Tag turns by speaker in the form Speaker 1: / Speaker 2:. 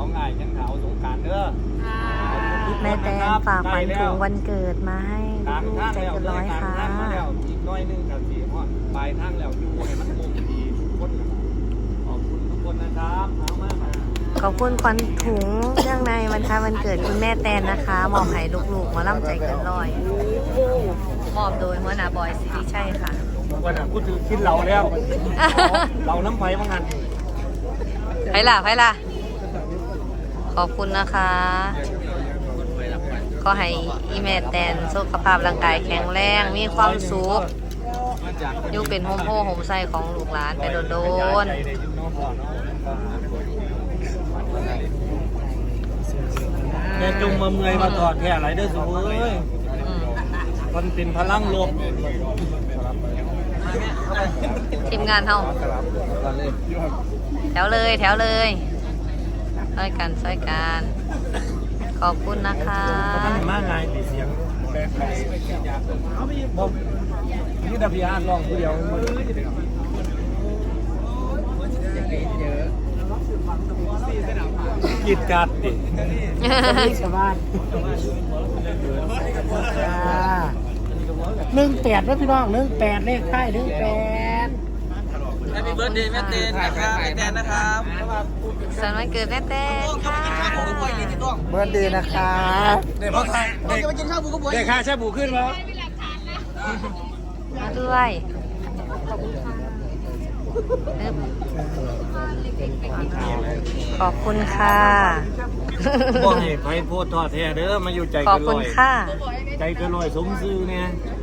Speaker 1: ของง่ายยังขาวสงการเด้อ
Speaker 2: แม่แตนฝากขวัญถุงวันเกิดมาให้ลูกๆใจเกินร้อยค่ะ
Speaker 1: อีกน้อยนึงกับสีเพราะปลายทางแล้วอยู่ให้มันคงดีทุกคนขอบคุณทุกคนนะครับเอามาก
Speaker 2: ขอบคุณขวัญถุงเรื่องในวันคล้ายวันเกิดคุณแม่แตนนะคะมอบให้ลูกๆหมอลำใจเกินร้อยมอบโดยหัวหน้าบอยสิริชัยค่ะ
Speaker 1: วันนั้นกูถือคิดเราแล้วเราน้ำไฟมางัน
Speaker 2: ไปล่ะขอบคุณนะคะก็ให้อีแม่แตนสุขภาพร่างกายแข็งแรงมีความสุขอยู่เป็นโฮมโฮโฮมไซของลูกหลานไปโดน
Speaker 1: แม่จงมาเมื่อยมาถอดแค่อะไรได้สูเอ้ยมันเป็นพลังลบ
Speaker 2: ทีมงานเฮาแถวเลยช่วยกันขอบคุณนะคะ
Speaker 1: มันมากไงเสียงบอกนี่ดับยานลองผู้เดียวกิดกัดดิชาวบ้าน18นะพี่น้อง18เลขท้าย18
Speaker 3: แฮปปี้เบิร์ดเดย์แม่เตนนะครับแม่แตนนะครับ
Speaker 2: สันวันเกิดแม่แตนค่ะ
Speaker 1: เบิร์ดดีนะคะเด็กพ่อใครเด็กมากินข้าวบูก็บวยเด็กข้าแช่บูขึ้นแล้ว
Speaker 2: มาด้วยขอบคุณค่ะ
Speaker 1: บอกให้ไปโพดทอดแท้เด้อมาอยู่ใจ
Speaker 2: ขอบ
Speaker 1: เกิน
Speaker 2: คุ
Speaker 1: ล
Speaker 2: ณ
Speaker 1: อย
Speaker 2: ค่ะ
Speaker 1: ใจเกินลอยสมซื่อเนี่ย